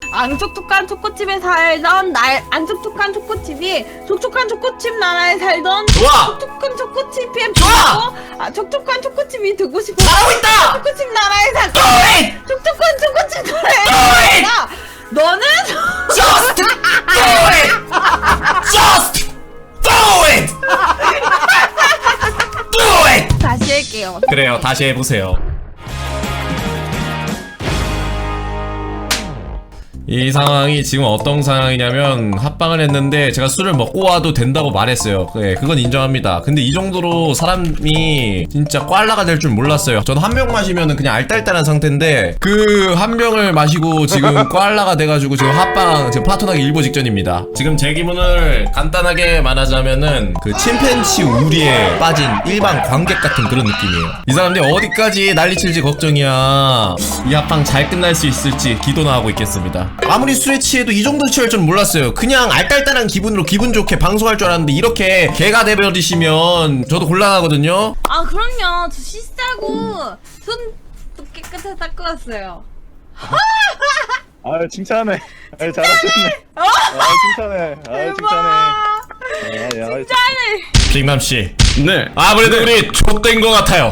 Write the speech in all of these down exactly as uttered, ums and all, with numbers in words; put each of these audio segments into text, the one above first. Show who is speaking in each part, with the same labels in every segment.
Speaker 1: 안 촉촉한 초코칩에 살던 날, 안 촉촉한 초코칩이 촉촉한 초코칩 나라에 살던
Speaker 2: 좋아!
Speaker 1: 촉촉한 초코칩이
Speaker 2: 좋아!
Speaker 1: 보고, 아, 촉촉한 초코칩이 되고 싶어.
Speaker 2: 잘하고 있다!
Speaker 1: 초코칩 나라에 살
Speaker 2: Do it!
Speaker 1: 촉촉한 초코칩
Speaker 2: Do
Speaker 1: 나라에
Speaker 2: it!
Speaker 1: 살다 너는
Speaker 2: Just do it! Just do it! Do it!
Speaker 1: 다시 할게요.
Speaker 2: 그래요, 다시 해보세요. 이 상황이 지금 어떤 상황이냐면 합방을 했는데 제가 술을 먹고 와도 된다고 말했어요. 네, 그건 인정합니다. 근데 이 정도로 사람이 진짜 꽐라가 될 줄 몰랐어요. 저는 한 병 마시면은 그냥 알딸딸한 상태인데 그 한 병을 마시고 지금 꽐라가 돼가지고 지금 합방 지금 파토나기 일보 직전입니다. 지금 제 기분을 간단하게 말하자면은 그 침팬치 우리에 빠진 일반 관객 같은 그런 느낌이에요. 이 사람들이 어디까지 난리칠지 걱정이야. 이 합방 잘 끝날 수 있을지 기도나 하고 있겠습니다. 아무리 술에 취해도 이 정도 취할 줄 몰랐어요. 그냥 알딸딸한 기분으로 기분 좋게 방송할 줄 알았는데 이렇게 개가 돼버리시면 저도 곤란하거든요.
Speaker 1: 아, 그럼요. 저 씻자고 손도 깨끗하게 닦고 왔어요.
Speaker 3: 아 칭찬해. 아 잘하셨네. 아 칭찬해. 아 칭찬해. 아, 야,
Speaker 1: 짠해.
Speaker 2: 빅남씨.
Speaker 4: 네.
Speaker 2: 아무래도 우리 좆된 것 같아요.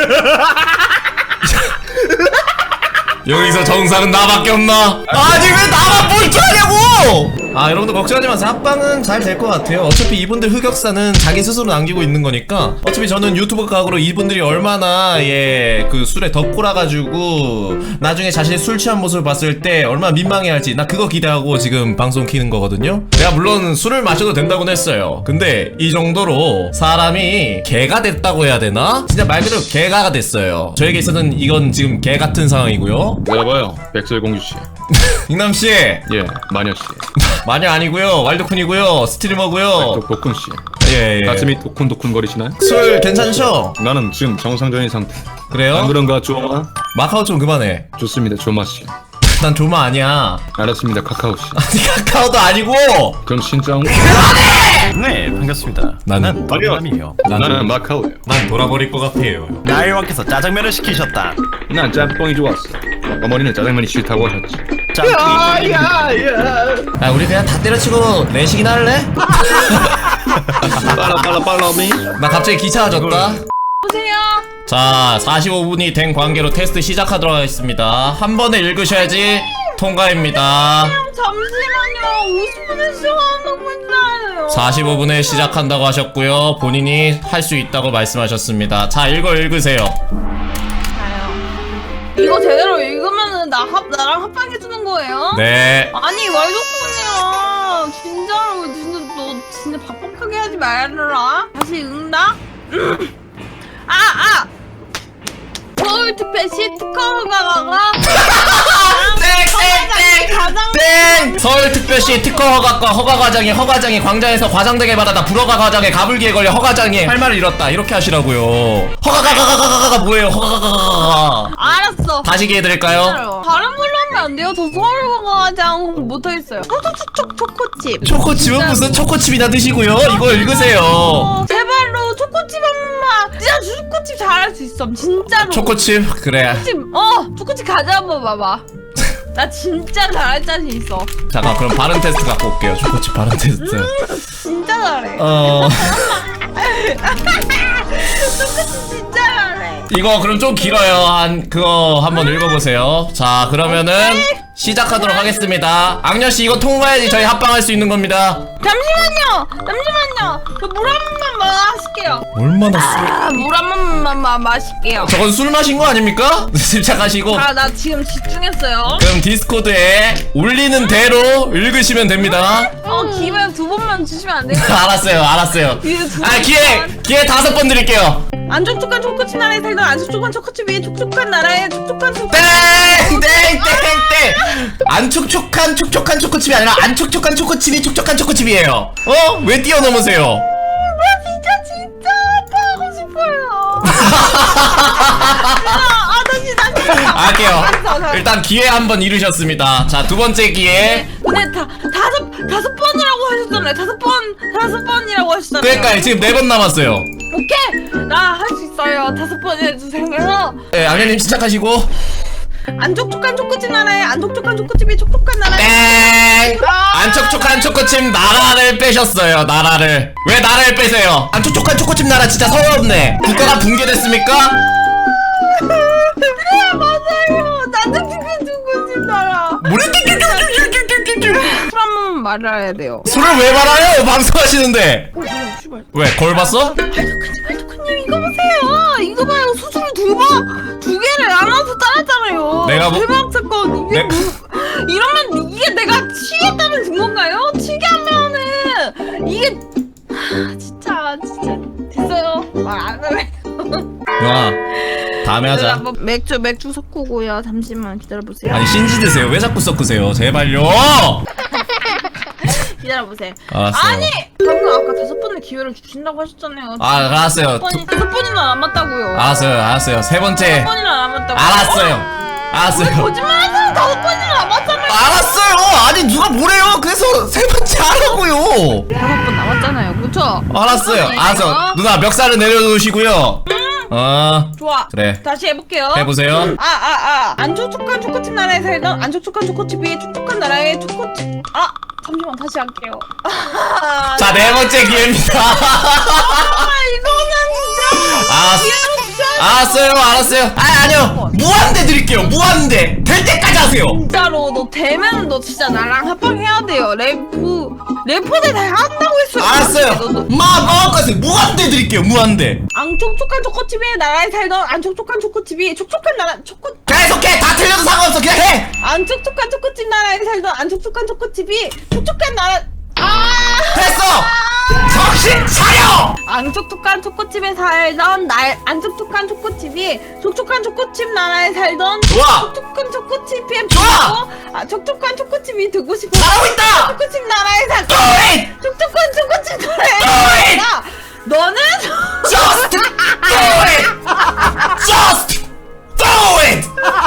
Speaker 2: 여기서 정상은 나밖에 없나? 아니 왜 나만 뿔투하냐고! 아 여러분들 걱정하지 마세요. 합방은 잘 될 것 같아요. 어차피 이분들 흑역사는 자기 스스로 남기고 있는 거니까. 어차피 저는 유튜브 각으로 이분들이 얼마나 예 그 술에 덧골아가지고 나중에 자신의 술 취한 모습을 봤을 때 얼마나 민망해할지 나 그거 기대하고 지금 방송 키는 거거든요. 내가 물론 술을 마셔도 된다고는 했어요. 근데 이 정도로 사람이 개가 됐다고 해야 되나? 진짜 말 그대로 개가 됐어요. 저에게 있어서는 이건 지금 개 같은 상황이고요.
Speaker 4: 여봐요, 백설공주씨.
Speaker 2: 빅남씨
Speaker 4: 예, 마녀씨.
Speaker 2: 마녀 아니고요, 왈도쿤이고요, 스트리머고요.
Speaker 4: 독도쿤씨.
Speaker 2: 예예.
Speaker 4: 가슴이 도쿤도쿤거리시나요?
Speaker 2: 술 괜찮으셔?
Speaker 4: 나는 지금 정상적인 상태.
Speaker 2: 그래요?
Speaker 4: 안 그런가, 조마?
Speaker 2: 마카오 좀 그만해.
Speaker 4: 좋습니다, 조마씨.
Speaker 2: 난 조마 아니야.
Speaker 4: 알았습니다, 카카오씨.
Speaker 2: 아니 카카오도 아니고.
Speaker 4: 그럼 신짱?
Speaker 5: 네, 반갑습니다.
Speaker 2: 나는
Speaker 5: 마리오남이에요.
Speaker 4: 나는 마카오예요.
Speaker 2: 난 돌아버릴 것 같아요.
Speaker 5: 나일왕께서 짜장면을 시키셨다.
Speaker 4: 난 짬뽕이 좋았어. 어머니는 짜장면이 싫다고 하셨지.
Speaker 5: 짬뽕이
Speaker 2: 야 우리 그냥 다 때려치고 내식이나 할래?
Speaker 4: 빨라 빨라 빨라미.
Speaker 2: 나 갑자기 귀찮아졌다.
Speaker 1: 보세요.
Speaker 2: 자 사십오 분이 된 관계로 테스트 시작하도록 하겠습니다. 한 번에 읽으셔야지 통과입니다.
Speaker 1: 잠시만요. 오십 분에 시작한다고 했잖아요.
Speaker 2: 사십오 분에 시작한다고 하셨고요. 본인이 할 수 있다고 말씀하셨습니다. 자 읽어 읽으세요.
Speaker 1: 자요. 이거 제대로 읽으면은 나 합, 나랑 합방해주는 거예요?
Speaker 2: 네.
Speaker 1: 아니, 왈도쿤이야. 진짜로, 진짜, 너 진짜 박박하게 하지 말아라. 다시 읽는다? 음. 아, 아! 서울특별시 특허가가
Speaker 2: 땡땡땡
Speaker 1: 가장
Speaker 2: 땡! 서울특별시 특허 허가과 허가과장이 허가장이 광장에서 과장되게 받아다 불허가 과장에 가불기에 걸려 허가장이 할 말을 잃었다. 이렇게 하시라고요. 허가가가가가가가 뭐예요? 허가가가가가.
Speaker 1: 알았어.
Speaker 2: 다시 기회 드릴까요?
Speaker 1: 진짜로. 다른 걸로 하면 안 돼요. 저 서울과장 못하겠어요. 초초초초 초코칩.
Speaker 2: 초코칩은 무슨 초코칩이나 드시고요. 이거 읽으세요.
Speaker 1: 어, 제발로 초코칩 한 번만. 진짜 초코칩 잘할 수 있어. 진짜로.
Speaker 2: 초코칩? 그래.
Speaker 1: 초코칩. 어, 초코칩 가자 한번 봐봐. 나 진짜 잘할 자신 있어.
Speaker 2: 잠깐 그럼 발음 테스트 갖고 올게요. 초코칩 발음 테스트.
Speaker 1: 진짜 잘해.
Speaker 2: 어...
Speaker 1: 초코칩 진짜 잘해.
Speaker 2: 이거 그럼 좀 길어요. 한 그거 한번 읽어보세요. 자 그러면은 시작하도록 하겠습니다. 악녀씨 이거 통과해야지 저희 합방할 수 있는 겁니다.
Speaker 1: 잠시만요. 잠시만요. 저 물 한 번만 마실게요.
Speaker 2: 얼마나
Speaker 1: 아, 물 한 번만 마, 마실게요.
Speaker 2: 저건 술 마신 거 아닙니까? 침착하시고.
Speaker 1: 아, 나 지금 집중했어요.
Speaker 2: 그럼 디스코드에 올리는 대로 읽으시면 됩니다.
Speaker 1: 어, 기회 두 번만 주시면 안 돼요?
Speaker 2: 알았어요 알았어요.
Speaker 1: 기회 두
Speaker 2: 아 기회
Speaker 1: 번만.
Speaker 2: 기회 다섯 번 드릴게요.
Speaker 1: 안 촉촉한 초코칩 나라에 살던 안 촉촉한 초코칩 위에 촉촉한 나라에 촉촉한 초코.
Speaker 2: 땡땡땡땡땡 안 촉촉한 촉촉한 초코칩이 아니라 안 촉촉한 초코칩이 촉촉한 초코칩이에요. 어? 왜 뛰어넘으세요?
Speaker 1: 나 진짜 진짜 아파하고 싶어요. 아, 다시 다시.
Speaker 2: 할게요.
Speaker 1: 알았어, 알았어.
Speaker 2: 일단 기회 한 번 잃으셨습니다. 자 두 번째 기회.
Speaker 1: 근데 다 다섯 다섯 번이라고 하셨잖아요. 다섯 번 다섯 번이라고 하셨잖아요.
Speaker 2: 그러니까 지금 네 번 남았어요.
Speaker 1: 오케이, 나 할 수 있어요. 다섯 번 해주세요.
Speaker 2: 네, 악녀님 시작하시고.
Speaker 1: 안 촉촉한 초코칩 나라에 안 촉촉한 초코칩이 촉촉한 나라에
Speaker 2: 땡! 안 촉촉한 초코칩 나라를 빼셨어요. 나라를 왜 나라를 빼세요? 안 촉촉한 초코칩 나라 진짜 서럽네. 국가가 붕괴됐습니까?
Speaker 1: 네 맞아요. 안 촉촉한 초코칩 나라.
Speaker 2: 뭐래?
Speaker 1: 술 한 번만 말아야 돼요.
Speaker 2: 술을 왜 말아요? 방송하시는데.
Speaker 1: 어, 씨발.
Speaker 2: 왜 거울 봤어?
Speaker 1: 발도크님 발도크님 이거 보세요. 이거 봐요. 수술을 두번두 개를 나눠서 따랐잖아요.
Speaker 2: 내가 뭐-
Speaker 1: 대박 사건. 이게
Speaker 2: 내-
Speaker 1: 뭐 이러면 이게 내가 취했다는 증거인가요? 취게 하면은 이게 하, 진짜 진짜 됐어요. 말 안 할래.
Speaker 2: 누나 다음에 하자.
Speaker 1: 한번 맥주 맥주 섞고요. 잠시만 기다려보세요.
Speaker 2: 아니 신지 드세요. 왜 자꾸 섞으세요? 제발요.
Speaker 1: 기다려보세요.
Speaker 2: 알았어요.
Speaker 1: 아니 방금 아까 다섯 번의 기회를 주신다고 하셨잖아요.
Speaker 2: 아 알았어요.
Speaker 1: 다섯 번이 다섯 번이나 남았다고요.
Speaker 2: 알았어요. 알았어요. 세 번째.
Speaker 1: 다섯 번이나 남았다고.
Speaker 2: 알았어요.
Speaker 1: 왜
Speaker 2: 알았어요.
Speaker 1: 거짓말하세요? 다섯 번이나 남았잖아요.
Speaker 2: 알았어요. 아니 누가 뭐래요? 그래서 세 번째 하라고요.
Speaker 1: 다섯 번 남았잖아요. 그렇죠?
Speaker 2: 알았어요. 알았어. 누나 멱살을 내려놓으시고요. 어
Speaker 1: 좋아.
Speaker 2: 그래.
Speaker 1: 다시 해볼게요.
Speaker 2: 해보세요.
Speaker 1: 아, 아, 아. 안 촉촉한 초코칩 나라에 살던 안 촉촉한 초코칩이 촉촉한 나라의 초코칩. 아, 잠시만 다시 할게요.
Speaker 2: 자 네 번째 기회입니다.
Speaker 1: 아, 이거는 진짜.
Speaker 2: 알았어.
Speaker 1: 기회를 주셔야
Speaker 2: 알았어요. 알았어요. 아 아니요. 무한대 드릴게요. 무한대. 될 때까지 하세요.
Speaker 1: 진짜로 너 되면 너 진짜 나랑 합방해야 돼요. 래프 래퍼들 다 한다고 했어요.
Speaker 2: 알았어요.
Speaker 1: 너도
Speaker 2: 마 마음까지 무한대 드릴게요. 무한대.
Speaker 1: 안 촉촉한 초코칩의 나라에 살던 안 촉촉한 초코칩이 촉촉한 나라 초코
Speaker 2: 계속해. 다 틀려도 상관없어. 그냥 해.
Speaker 1: 안 촉촉한 초코칩 나라에 살던 안 촉촉한 초코칩이 촉촉한 나라 아
Speaker 2: 됐어. 정신 차려.
Speaker 1: 안 촉촉한 초코칩에 살던 날 안 촉촉한 초코칩이 촉촉한 초코칩 나라에 살던
Speaker 2: 좋아.
Speaker 1: 촉촉한 초코칩이
Speaker 2: 좋아.
Speaker 1: 보고 아 촉촉한 초코칩이 되고 싶어
Speaker 2: 잘하고 있다.
Speaker 1: 초코칩 나라에 살
Speaker 2: Do it.
Speaker 1: 촉촉한 초코칩
Speaker 2: Do
Speaker 1: 나라에
Speaker 2: it.
Speaker 1: 살다 너는
Speaker 2: Just do it. Just do it.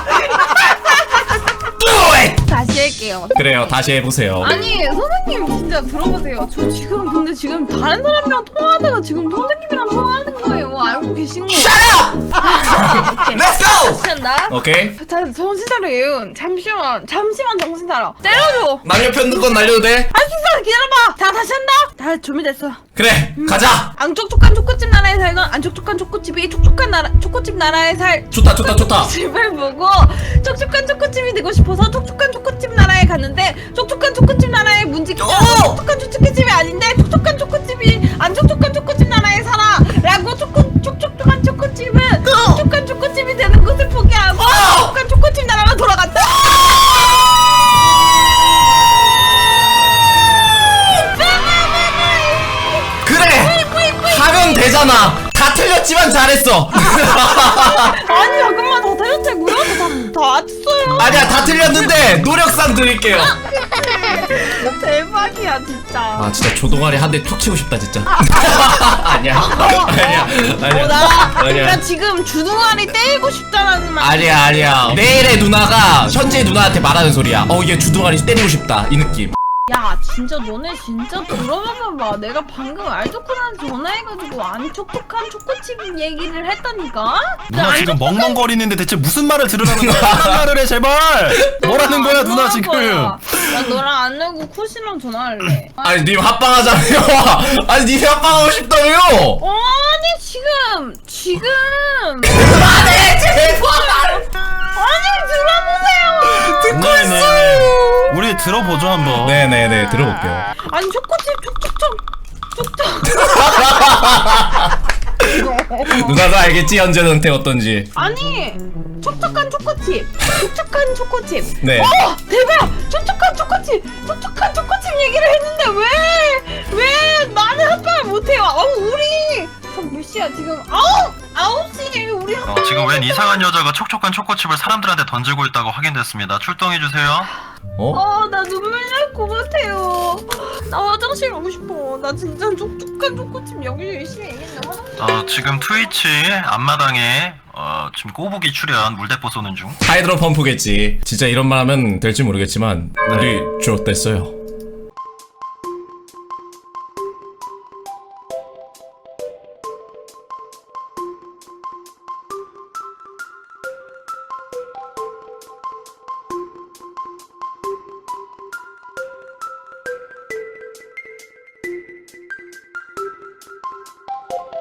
Speaker 2: Do it.
Speaker 1: 다시 할게요.
Speaker 2: 그래요. 다시 해보세요.
Speaker 1: 아니 선생님 진짜 들어보세요. 저 지금 근데 지금 다른 사람이랑 통화하다가 지금 선생님이랑 통화하는 거예요. 알고 계신 거.
Speaker 2: Shut up.
Speaker 1: 오케이.
Speaker 2: Let's go.
Speaker 1: 다시 한다.
Speaker 2: 오케이.
Speaker 1: 자, 정신 차려 예은. 잠시만, 잠시만 정신 차려. 때려줘.
Speaker 2: 남녀 편든 건 날려도 돼?
Speaker 1: 할 수 있어. 기다려봐. 자, 다시 한다. 다 준비됐어.
Speaker 2: 그래. 가자.
Speaker 1: 안 촉촉한 초코칩 나라에 살던 안 촉촉한 초코칩이 촉촉한 나라 초코칩 나라에 살
Speaker 2: 좋다 좋다 좋다.
Speaker 1: 집을 보고 촉촉한 초코칩이 되고 싶어서 촉촉한 초코칩 나라에 갔는데 촉촉한 초코칩 나라의 문지기가
Speaker 2: 오!
Speaker 1: 촉촉한 초코칩이 아닌데 촉촉한 초코칩이 안 촉촉한 초코칩 나라에 살아 라고 초코 촉촉한 초코칩은 촉촉한 초코칩이 되는 것을 포기하고 촉촉한 초코칩 나라로 돌아갔다.
Speaker 2: 그래. 하면 되잖아. 다 틀렸지만 잘했어.
Speaker 1: 아니 잠깐만 다 틀렸다고요? 다, 다 맞췄어요.
Speaker 2: 아니야 다 틀렸는데 노력상 드릴게요.
Speaker 1: 대박이야 진짜.
Speaker 2: 아 진짜 조동아리 한 대 툭 치고 싶다 진짜. 아니야 아니야 아니야
Speaker 1: 어, 나,
Speaker 2: 아니야.
Speaker 1: 나 지금 주둥아리 때리고 싶다라는 말.
Speaker 2: 아니야 아니야. 내일의 누나가 현재의 누나한테 말하는 소리야. 어 얘 주둥아리 때리고 싶다 이 느낌.
Speaker 1: 야 진짜 너네 진짜 들어봐봐. 내가 방금 알토크한테 전화해가지고 안 촉촉한 초코칩 얘기를 했다니까.
Speaker 5: 누나
Speaker 1: 안
Speaker 5: 지금
Speaker 1: 촉촉한-
Speaker 5: 멍멍거리는데 대체 무슨 말을 들으라는 거야? 무슨 말을 해 제발. 뭐라는 거야
Speaker 1: 안
Speaker 5: 누나
Speaker 1: 통할
Speaker 5: 지금?
Speaker 1: 거야. 나 너랑 안 내고 쿠시랑 전화할래.
Speaker 2: 아니 님 합방하자며요. 아니 님 합방하고 싶다며요.
Speaker 1: 아니 지금 지금
Speaker 2: 그만해 제발.
Speaker 1: 아니 들어보세요.
Speaker 2: 듣고
Speaker 5: 네네네.
Speaker 2: 있어요.
Speaker 5: 우리 들어보죠 한번.
Speaker 2: 네네네 들어볼게요.
Speaker 1: 아니 초코칩 촉촉촉 촉촉.
Speaker 2: 누나가 알겠지 현재 상태 어떤지.
Speaker 1: 아니 촉촉한 초코칩 촉촉한 초코칩.
Speaker 2: 네.
Speaker 1: 어 대박 촉촉한 초코칩 촉촉한 초코칩 얘기를 했는데 왜 왜 나는 합방을 못해요. 아우 우리 몇 시야 지금? 아홉 아홉 시 우리 합방.
Speaker 5: 어, 지금 웬 이상한 여자가 촉촉한 초코칩을 사람들한테 던지고 있다고 확인됐습니다. 출동해 주세요.
Speaker 2: 어?
Speaker 1: 어나 눈물 날 것 같아요. 나 화장실 가고 싶어. 나 진짜 촉촉한 초코칩 여기 열심히 얘기했나 화장실.
Speaker 5: 어, 지금 트위치 앞마당에 어, 지금 꼬부기 출연 물대포 쏘는 중.
Speaker 2: 하이드로 펌프겠지. 진짜 이런 말 하면 될지 모르겠지만 우리 좆됐어요.